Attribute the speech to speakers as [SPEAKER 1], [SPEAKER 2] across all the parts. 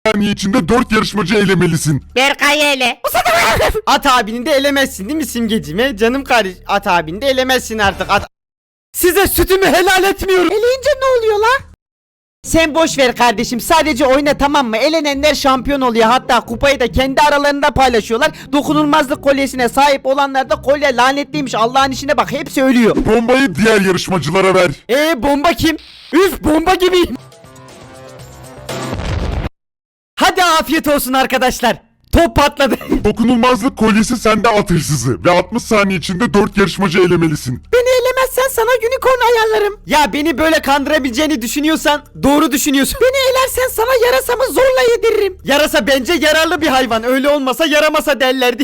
[SPEAKER 1] saniye içinde 4 yarışmacı elemelisin.
[SPEAKER 2] Berkay ele.
[SPEAKER 3] At abini de elemezsin değil mi Simgeciğime? Canım kardeş, at abini de elemezsin artık. Size sütümü helal etmiyorum.
[SPEAKER 2] Eleyince ne oluyor la?
[SPEAKER 3] Sen boş ver kardeşim, sadece oyna, tamam mı? Elenenler şampiyon oluyor, hatta kupayı da kendi aralarında paylaşıyorlar. Dokunulmazlık kolyesine sahip olanlar da kolye lanetliymiş, Allah'ın işine bak, hepsi ölüyor.
[SPEAKER 1] Bombayı diğer yarışmacılara ver.
[SPEAKER 3] Bomba kim? Üf, bomba gibiyim. Hadi afiyet olsun arkadaşlar. Top patladı.
[SPEAKER 1] Dokunulmazlık kolyesi sende, at hırsızı. Ve 60 saniye içinde 4 yarışmacı elemelisin.
[SPEAKER 3] Beni elemezsen sana unicorn ayarlarım. Ya beni böyle kandırabileceğini düşünüyorsan doğru düşünüyorsun. Beni elersen sana yarasamı zorla yediririm. Yarasa bence yararlı bir hayvan. Öyle olmasa yaramasa derlerdi.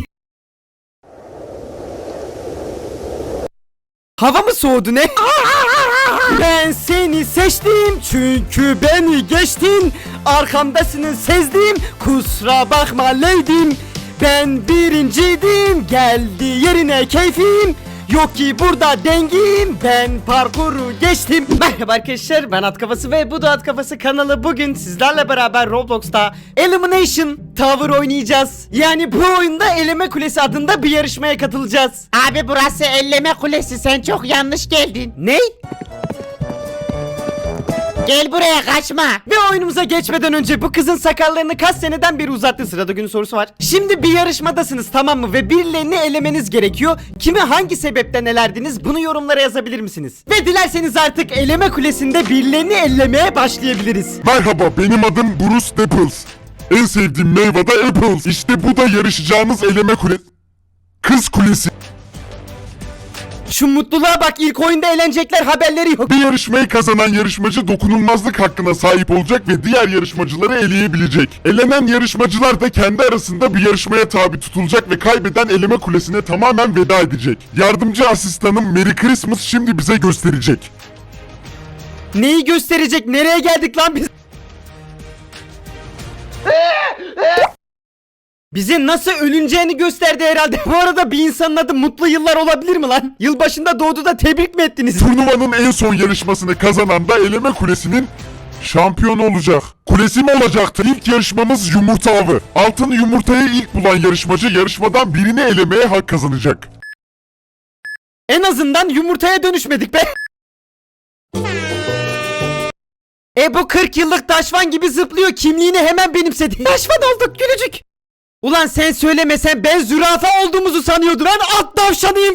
[SPEAKER 3] Hava mı soğudu ne? Ben seni seçtim çünkü beni geçtin. Arkamdasını sezdim, kusura bakma leydim. Ben birinciydim, geldi yerine keyfim. Yok ki burada dengim, ben parkuru geçtim. Merhaba arkadaşlar, ben At Kafası ve bu da At Kafası kanalı. Bugün sizlerle beraber Roblox'ta Elimination Tower oynayacağız. Yani bu oyunda Eleme Kulesi adında bir yarışmaya katılacağız.
[SPEAKER 2] Abi burası elleme kulesi, sen çok yanlış geldin.
[SPEAKER 3] Ne?
[SPEAKER 2] Gel buraya, kaçma.
[SPEAKER 3] Ve oyunumuza geçmeden önce bu kızın sakallarını kaç seneden beri uzattı. Sırada günün sorusu var. Şimdi bir yarışmadasınız, tamam mı? Ve birilerini elemeniz gerekiyor. Kimi hangi sebepten elerdiniz? Bunu yorumlara yazabilir misiniz? Ve dilerseniz artık eleme kulesinde birilerini ellemeye başlayabiliriz.
[SPEAKER 1] Merhaba, benim adım Bruce Dapples. En sevdiğim meyve de apples. İşte bu da yarışacağımız eleme kulesi. Kız kulesi.
[SPEAKER 3] Şu mutluluğa bak, ilk oyunda eğlenecekler, haberleri yok.
[SPEAKER 1] Bir yarışmayı kazanan yarışmacı dokunulmazlık hakkına sahip olacak ve diğer yarışmacıları eleyebilecek. Elenen yarışmacılar da kendi arasında bir yarışmaya tabi tutulacak ve kaybeden eleme kulesine tamamen veda edecek. Yardımcı asistanım Merry Christmas şimdi bize gösterecek.
[SPEAKER 3] Neyi gösterecek? Nereye geldik lan biz? Bize nasıl ölüneceğini gösterdi herhalde. Bu arada bir insanın adı Mutlu Yıllar olabilir mi lan? Yılbaşında doğdu da tebrik mi ettiniz?
[SPEAKER 1] Turnuvanın en son yarışmasını kazanan da eleme kulesinin şampiyonu olacak. Kulesi mi olacaktı? İlk yarışmamız yumurta avı. Altın yumurtayı ilk bulan yarışmacı yarışmadan birini elemeye hak kazanacak.
[SPEAKER 3] En azından yumurtaya dönüşmedik be. Bu 40 yıllık Daşvan gibi zıplıyor, kimliğini hemen benimsedi. Daşvan olduk gülücük. Ulan sen söylemesen ben zürafa olduğumuzu sanıyordum. Ben at tavşanıyım.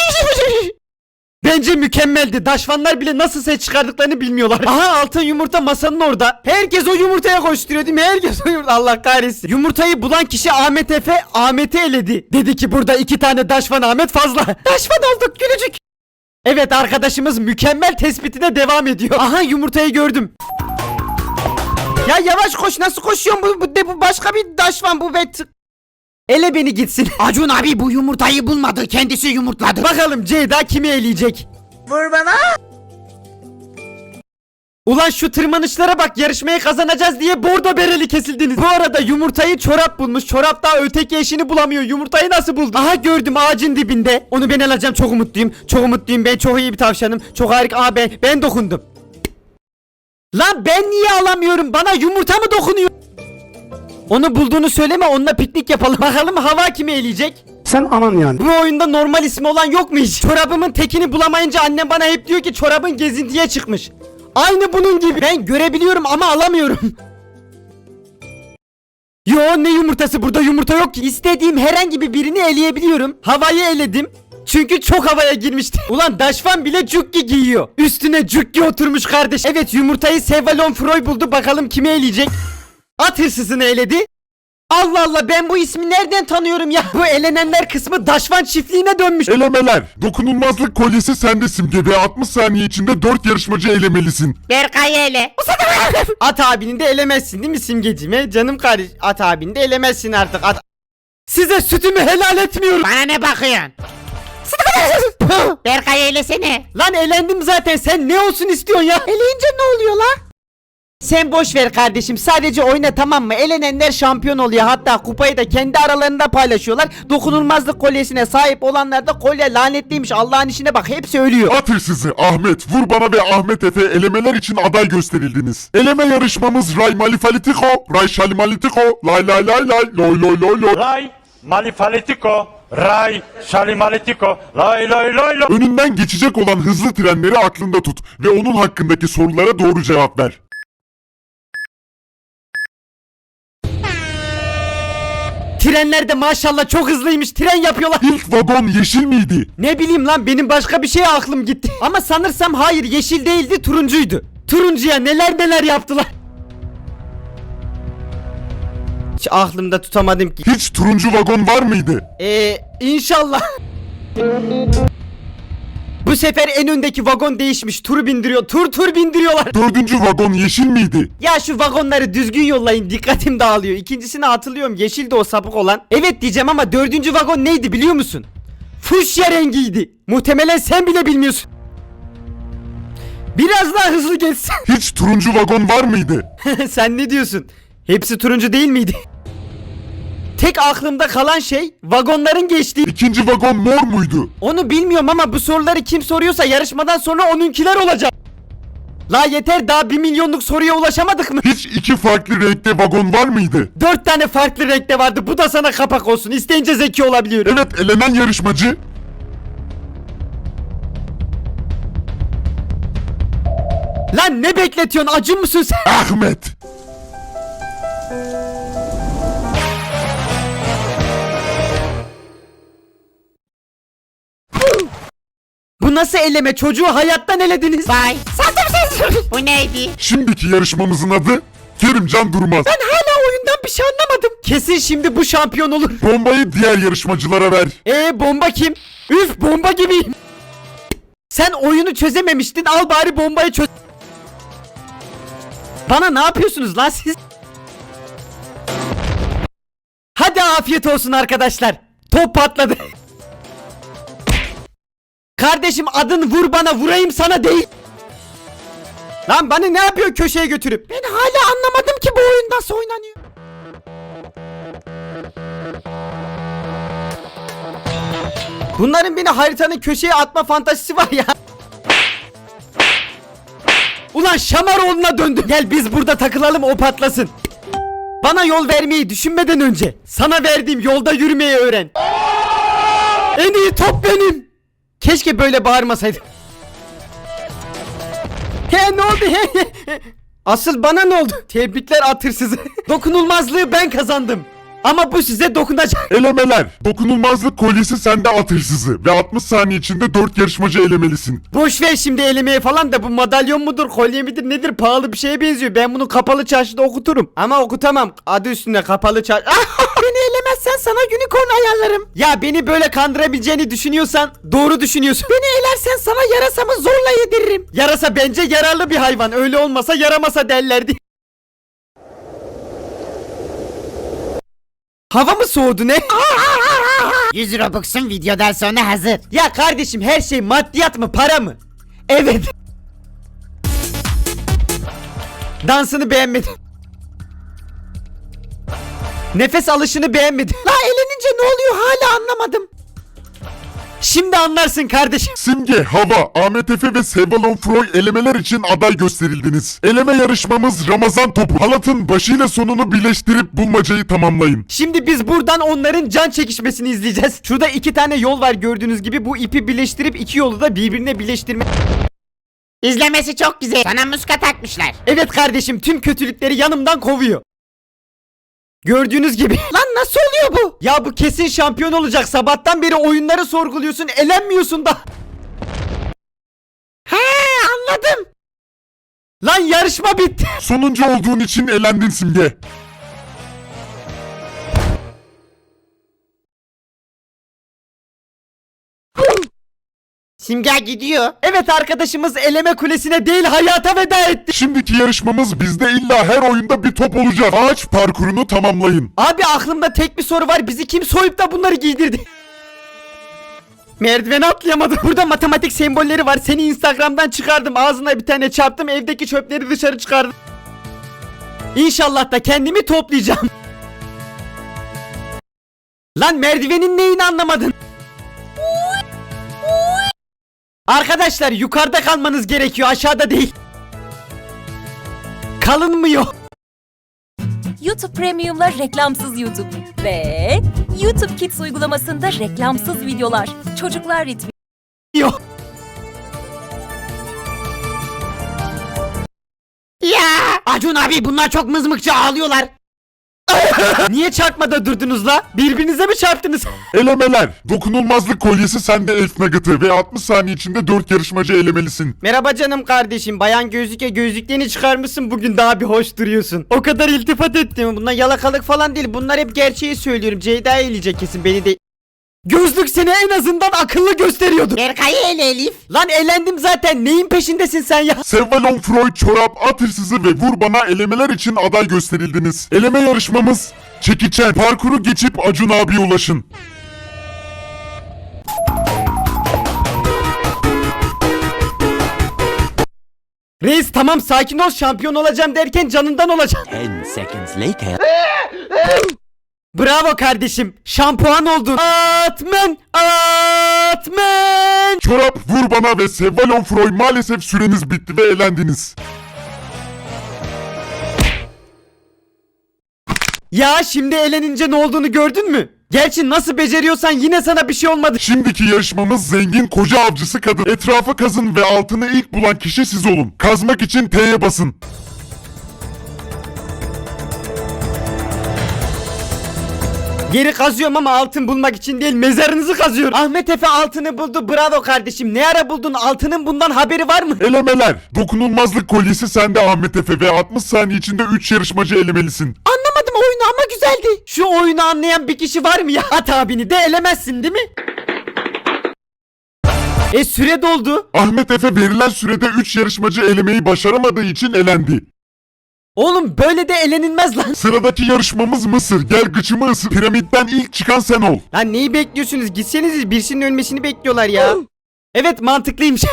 [SPEAKER 3] Bence mükemmeldi. Daşvanlar bile nasıl ses çıkardıklarını bilmiyorlar. Aha, altın yumurta masanın orada. Herkes o yumurtaya koşturuyor değil mi? Herkes o yumurta. Allah kahretsin. Yumurtayı bulan kişi Ahmet Efe, Ahmet'i eledi. Dedi ki burada 2 tane Daşvan Ahmet fazla. Daşvan olduk gülücük. Evet, arkadaşımız mükemmel tespitine devam ediyor. Aha, yumurtayı gördüm. Ya yavaş koş, nasıl koşuyorsun? Bu başka bir Daşvan bu ve ele beni gitsin.
[SPEAKER 2] Acun abi bu yumurtayı bulmadı, kendisi yumurtladı.
[SPEAKER 3] Bakalım Ceyda kimi eleyecek?
[SPEAKER 2] Vur bana.
[SPEAKER 3] Ulan şu tırmanışlara bak, yarışmayı kazanacağız diye bordo bereli kesildiniz. Bu arada yumurtayı çorap bulmuş. Çorap daha öteki eşini bulamıyor. Yumurtayı nasıl buldu? Aha, gördüm, ağacın dibinde. Onu ben alacağım, çok umutluyum. Çok umutluyum, ben çok iyi bir tavşanım. Çok harika. Aa, ben dokundum. Lan ben niye alamıyorum? Bana yumurta mı dokunuyor? Onu bulduğunu söyleme, onunla piknik yapalım. Bakalım hava kimi eleyecek?
[SPEAKER 4] Sen anan yani.
[SPEAKER 3] Bu oyunda normal ismi olan yok mu hiç? Çorabımın tekini bulamayınca annem bana hep diyor ki çorabın gezintiye çıkmış. Aynı bunun gibi. Ben görebiliyorum ama alamıyorum. Yo, ne yumurtası, burada yumurta yok ki. İstediğim herhangi birini eleyebiliyorum. Havayı eledim. Çünkü çok havaya girmişti. Ulan Daşvan bile cukki giyiyor. Üstüne cukki oturmuş kardeş. Evet, yumurtayı Sevalon Freud buldu. Bakalım kimi eleyecek? At hırsızını eledi. Allah Allah, ben bu ismi nereden tanıyorum ya? Bu elenenler kısmı Daşvan çiftliğine dönmüş.
[SPEAKER 1] Elemeler. Dokunulmazlık kolyesi sende Simge ve 60 saniye içinde 4 yarışmacı elemelisin.
[SPEAKER 2] Berkay ele.
[SPEAKER 3] At abini de elemezsin değil mi Simgeciğime? Canım kardeş, at abini de elemezsin artık. Size sütümü helal etmiyorum.
[SPEAKER 2] Bana ne bakıyorsun? Berkay eylesene.
[SPEAKER 3] Lan elendim zaten, sen ne olsun istiyorsun ya?
[SPEAKER 2] Eleyince ne oluyor la? Sen boş ver kardeşim, sadece oyna, tamam mı? Elenenler şampiyon oluyor, hatta kupayı da kendi aralarında paylaşıyorlar. Dokunulmazlık kolyesine sahip olanlar da kolye lanetliymiş, Allah'ın işine bak, hepsi ölüyor.
[SPEAKER 1] At hırsızı Ahmet, Vur Bana ve Ahmet Efe elemeler için aday gösterildiniz. Eleme yarışmamız Ray Malifalitiko, Ray Şalimalitiko, Lay Lay Lay Lay, Loy Loy Loy Loy.
[SPEAKER 4] Ray Malifalitiko, Ray Şalimalitico, lay lay lay lay.
[SPEAKER 1] Önünden geçecek olan hızlı trenleri aklında tut ve onun hakkındaki sorulara doğru cevap ver.
[SPEAKER 3] Trenler de maşallah çok hızlıymış, tren yapıyorlar.
[SPEAKER 1] İlk vagon yeşil miydi?
[SPEAKER 3] Ne bileyim lan, benim başka bir şeye aklım gitti. Ama sanırsam hayır, yeşil değildi, turuncuydu. Turuncuya neler neler yaptılar. Hiç aklımda tutamadım ki.
[SPEAKER 1] Hiç turuncu vagon var mıydı?
[SPEAKER 3] İnşallah. Bu sefer en öndeki vagon değişmiş, tur bindiriyor, tur bindiriyorlar.
[SPEAKER 1] Dördüncü vagon yeşil miydi?
[SPEAKER 3] Ya şu vagonları düzgün yollayın, dikkatim dağılıyor. İkincisini hatırlıyorum, yeşildi o sapık olan. Evet diyeceğim ama dördüncü vagon neydi biliyor musun? Fuşya rengiydi. Muhtemelen sen bile bilmiyorsun. Biraz daha hızlı geçsin.
[SPEAKER 1] Hiç turuncu vagon var mıydı?
[SPEAKER 3] Sen ne diyorsun? Hepsi turuncu değil miydi? Tek aklımda kalan şey vagonların geçtiği.
[SPEAKER 1] İkinci vagon mor muydu?
[SPEAKER 3] Onu bilmiyorum ama bu soruları kim soruyorsa yarışmadan sonra onunkiler olacak. La yeter, daha 1 milyonluk soruya ulaşamadık mı?
[SPEAKER 1] Hiç iki farklı renkte vagon var mıydı?
[SPEAKER 3] 4 tane farklı renkte vardı, bu da sana kapak olsun. İsteyince zeki olabiliyorum.
[SPEAKER 1] Evet, elenen yarışmacı.
[SPEAKER 3] Lan ne bekletiyorsun, acı mısın sen?
[SPEAKER 1] Ahmet.
[SPEAKER 2] Bu nasıl eleme, çocuğu hayattan elediniz.
[SPEAKER 5] Vay. Bu neydi?
[SPEAKER 1] Şimdiki yarışmamızın adı Kerimcan Durmaz.
[SPEAKER 3] Ben hala oyundan bir şey anlamadım. Kesin şimdi bu şampiyon olur.
[SPEAKER 1] Bombayı diğer yarışmacılara ver.
[SPEAKER 3] Bomba kim? Üf, bomba gibiyim. Sen oyunu çözememiştin, al bari bombayı çöz. Bana ne yapıyorsunuz lan siz? Hadi afiyet olsun arkadaşlar. Top patladı. Kardeşim, adın Vur Bana, vurayım sana değil. Lan bana ne yapıyor köşeye götürüp? Ben hala anlamadım ki bu oyun nasıl oynanıyor. Bunların beni haritanın köşeye atma fantazisi var ya. Ulan Şamaroğlu'na döndüm. Gel biz burada takılalım, o patlasın. Bana yol vermeyi düşünmeden önce sana verdiğim yolda yürümeyi öğren. En iyi top benim. Keşke böyle bağırmasaydım. He ne oldu he? Asıl bana ne oldu? Tebrikler at hırsızı. Dokunulmazlığı ben kazandım. Ama bu size dokunacak.
[SPEAKER 1] Elemeler. Dokunulmazlık kolyesi sende, at hırsızı. Ve 60 saniye içinde 4 yarışmacı elemelisin.
[SPEAKER 3] Boş ver şimdi elemeye falan da, bu madalyon mudur, kolye midir nedir, pahalı bir şeye benziyor. Ben bunu kapalı çarşıda okuturum. Ama okutamam. Adı üstünde kapalı çarşı. Beni elemezsen sana unicorn ayarlarım. Ya beni böyle kandırabileceğini düşünüyorsan doğru düşünüyorsun. Beni elersen sana yarasamı zorla yediririm. Yarasa bence yararlı bir hayvan. Öyle olmasa yaramasa derlerdi. Hava mı soğudu ne?
[SPEAKER 5] 100 Robux'un videodan sonra hazır.
[SPEAKER 3] Ya kardeşim, her şey maddiyat mı, para mı? Evet. Dansını beğenmedim. Nefes alışını beğenmedim. La elenince ne oluyor hala anlamadım. Şimdi anlarsın kardeşim.
[SPEAKER 1] Simge, Hava, Ahmet Efe ve Sevalon Froy elemeler için aday gösterildiniz. Eleme yarışmamız Ramazan topu. Halatın başıyla sonunu birleştirip bulmacayı tamamlayın.
[SPEAKER 3] Şimdi biz buradan onların can çekişmesini izleyeceğiz. Şurada 2 tane yol var gördüğünüz gibi. Bu ipi birleştirip 2 yolu da birbirine birleştirme.
[SPEAKER 5] İzlemesi çok güzel. Sana muska takmışlar.
[SPEAKER 3] Evet kardeşim, tüm kötülükleri yanımdan kovuyor. Gördüğünüz gibi. Lan nasıl oluyor bu? Ya bu kesin şampiyon olacak. Sabahtan beri oyunları sorguluyorsun, elenmiyorsun da. He, anladım. Lan yarışma bitti.
[SPEAKER 1] Sonuncu olduğun için elendin Simge.
[SPEAKER 5] Simge gidiyor.
[SPEAKER 3] Evet, arkadaşımız eleme kulesine değil hayata veda etti.
[SPEAKER 1] Şimdiki yarışmamız bizde illa her oyunda bir top olacak. Ağaç parkurunu tamamlayın.
[SPEAKER 3] Abi aklımda tek bir soru var. Bizi kim soyup da bunları giydirdi? Merdiveni atlayamadım. Burada matematik sembolleri var. Seni Instagram'dan çıkardım. Ağzına bir tane çarptım. Evdeki çöpleri dışarı çıkardım. İnşallah da kendimi toplayacağım. Lan merdivenin neyini anlamadın? Arkadaşlar yukarıda kalmanız gerekiyor, aşağıda değil. Kalınmıyor.
[SPEAKER 6] YouTube Premium'la reklamsız YouTube ve YouTube Kids uygulamasında reklamsız videolar. Çocuklar ritmi.
[SPEAKER 3] Yok.
[SPEAKER 5] Ya Acun abi bunlar çok mızmıkça ağlıyorlar.
[SPEAKER 3] Niye çarpmada durdunuz la? Birbirinize mi çarptınız?
[SPEAKER 1] Elemeler. Dokunulmazlık kolyesi sende Elf Nugget'ı ve 60 saniye içinde 4 yarışmacı elemelisin.
[SPEAKER 3] Merhaba canım kardeşim. Bayan gözlüke gözlüklerini çıkarmışsın, bugün daha bir hoş duruyorsun. O kadar iltifat ettim. Bunlar yalakalık falan değil. Bunlar hep gerçeği söylüyorum. Ceyda eleyecek kesin beni de. Gözlük seni en azından akıllı gösteriyordu.
[SPEAKER 5] Berkay'ı ele Elif.
[SPEAKER 3] Lan elendim zaten. Neyin peşindesin sen ya?
[SPEAKER 1] Sevvalon Freud, Çorap, At Hırsızı ve Vur Bana elemeler için aday gösterildiniz. Eleme yarışmamız çekiçen. Parkuru geçip Acun abiye ulaşın.
[SPEAKER 3] Reis tamam sakin ol, şampiyon olacağım derken canından olacağım.
[SPEAKER 7] 10 seconds later.
[SPEAKER 3] Bravo kardeşim. Şampuan oldun. Atmen. Atmen.
[SPEAKER 1] Çorap, Vur Bana ve Sevvalon Freud maalesef süreniz bitti ve elendiniz.
[SPEAKER 3] Ya şimdi elenince ne olduğunu gördün mü? Gerçi nasıl beceriyorsan yine sana bir şey olmadı.
[SPEAKER 1] Şimdiki yarışmamız zengin koca avcısı kadın. Etrafı kazın ve altını ilk bulan kişi siz olun. Kazmak için T'ye basın.
[SPEAKER 3] Geri kazıyorum ama altın bulmak için değil, mezarınızı kazıyorum. Ahmet Efe altını buldu, bravo kardeşim. Ne ara buldun, altının bundan haberi var mı?
[SPEAKER 1] Elemeler. Dokunulmazlık kolyesi sende Ahmet Efe ve 60 saniye içinde 3 yarışmacı elemelisin.
[SPEAKER 3] Anlamadım oyunu ama güzeldi. Şu oyunu anlayan bir kişi var mı ya? At abini de elemezsin değil mi? Süre doldu.
[SPEAKER 1] Ahmet Efe verilen sürede 3 yarışmacı elemeyi başaramadığı için elendi.
[SPEAKER 3] Oğlum böyle de elenilmez lan.
[SPEAKER 1] Sıradaki yarışmamız Mısır. Gel gıçımı ısır. Piramitten ilk çıkan sen ol.
[SPEAKER 3] Lan neyi bekliyorsunuz? Gitseniz, birisinin ölmesini bekliyorlar ya. Evet, mantıklıymış.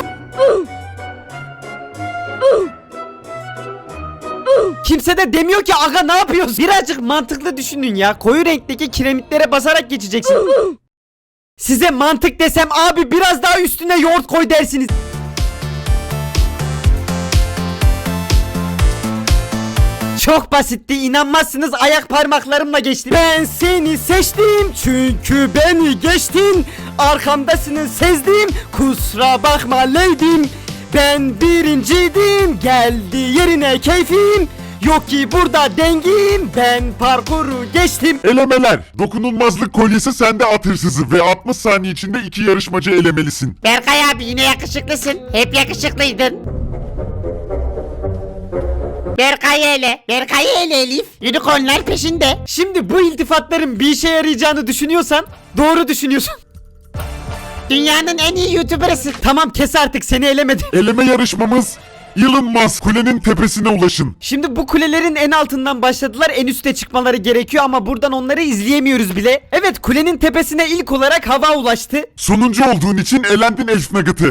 [SPEAKER 3] Kimse de demiyor ki aga ne yapıyorsun? Birazcık mantıklı düşünün ya. Koyu renkteki kiremitlere basarak geçeceksin. Size mantık desem abi biraz daha üstüne yoğurt koy dersiniz. Çok basitti, inanmazsınız, ayak parmaklarımla geçtim. Ben seni seçtim çünkü beni geçtin. Arkamdasını sezdim, kusura bakma lady'm. Ben birinciydim, geldi yerine keyfim. Yok ki burada dengim, ben parkuru geçtim.
[SPEAKER 1] Elemeler. Dokunulmazlık kolyesi sende At Hırsızı ve 60 saniye içinde 2 yarışmacı elemelisin.
[SPEAKER 5] Berkay abi yine yakışıklısın. Hep yakışıklıydın. Berkay'ı ele. Berkay'ı ele Elif. Unicornlar peşinde.
[SPEAKER 3] Şimdi bu iltifatların bir işe yarayacağını düşünüyorsan doğru düşünüyorsun.
[SPEAKER 5] Dünyanın en iyi YouTuber'ısın.
[SPEAKER 3] Tamam kes artık, seni elemedim.
[SPEAKER 1] Eleme yarışmamız Elon Musk kulenin tepesine ulaşın.
[SPEAKER 3] Şimdi bu kulelerin en altından başladılar, en üste çıkmaları gerekiyor ama buradan onları izleyemiyoruz bile. Evet, kulenin tepesine ilk olarak hava ulaştı.
[SPEAKER 1] Sonuncu olduğun için elendin Elf Nugget'ı.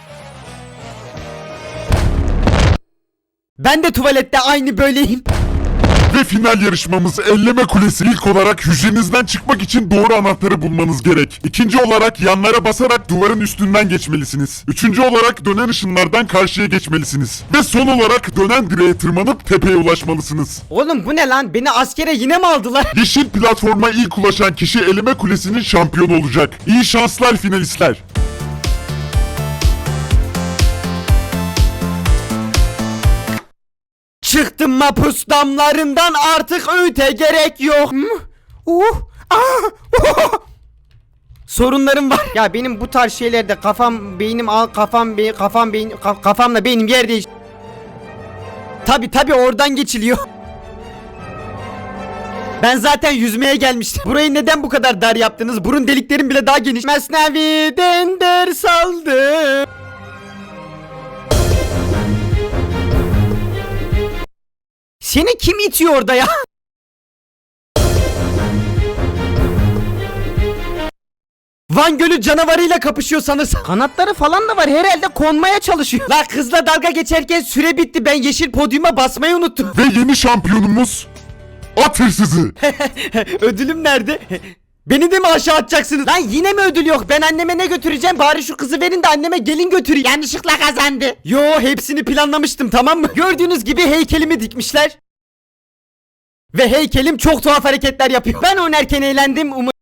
[SPEAKER 3] Ben de tuvalette aynı böyleyim.
[SPEAKER 1] Ve final yarışmamız elleme kulesi. İlk olarak hücrenizden çıkmak için doğru anahtarı bulmanız gerek. İkinci olarak yanlara basarak duvarın üstünden geçmelisiniz. Üçüncü olarak dönen ışınlardan karşıya geçmelisiniz. Ve son olarak dönen direğe tırmanıp tepeye ulaşmalısınız.
[SPEAKER 3] Oğlum bu ne lan? Beni askere yine mi aldılar?
[SPEAKER 1] Yeşil platforma ilk ulaşan kişi eleme kulesinin şampiyonu olacak. İyi şanslar finalistler.
[SPEAKER 3] Çıktım mapus damlarından, artık öğüte gerek yok. Sorunlarım var. Ya benim bu tarz şeylerde kafam, beynim kafamla beynim yer değiş. Tabi oradan geçiliyor. Ben zaten yüzmeye gelmiştim. Burayı neden bu kadar dar yaptınız? Burun deliklerim bile daha geniş. Mesnevi'den ders aldım. Seni kim itiyor orada ya? Van Gölü canavarıyla kapışıyor sanırsam.
[SPEAKER 2] Kanatları falan da var herhalde konmaya çalışıyor.
[SPEAKER 3] La kızla dalga geçerken süre bitti. Ben yeşil podyuma basmayı unuttum.
[SPEAKER 1] Ve yeni şampiyonumuz at hırsızı.
[SPEAKER 3] Ödülüm nerede? Beni de mi aşağı atacaksınız?
[SPEAKER 2] Lan yine mi ödül yok? Ben anneme ne götüreceğim? Bari şu kızı verin de anneme gelin götüreyim.
[SPEAKER 5] Yanlışlıkla kazandı.
[SPEAKER 3] Yo, hepsini planlamıştım, tamam mı? Gördüğünüz gibi heykelimi dikmişler. Ve heykelim çok tuhaf hareketler yapıyor. Ben oynarken eğlendim.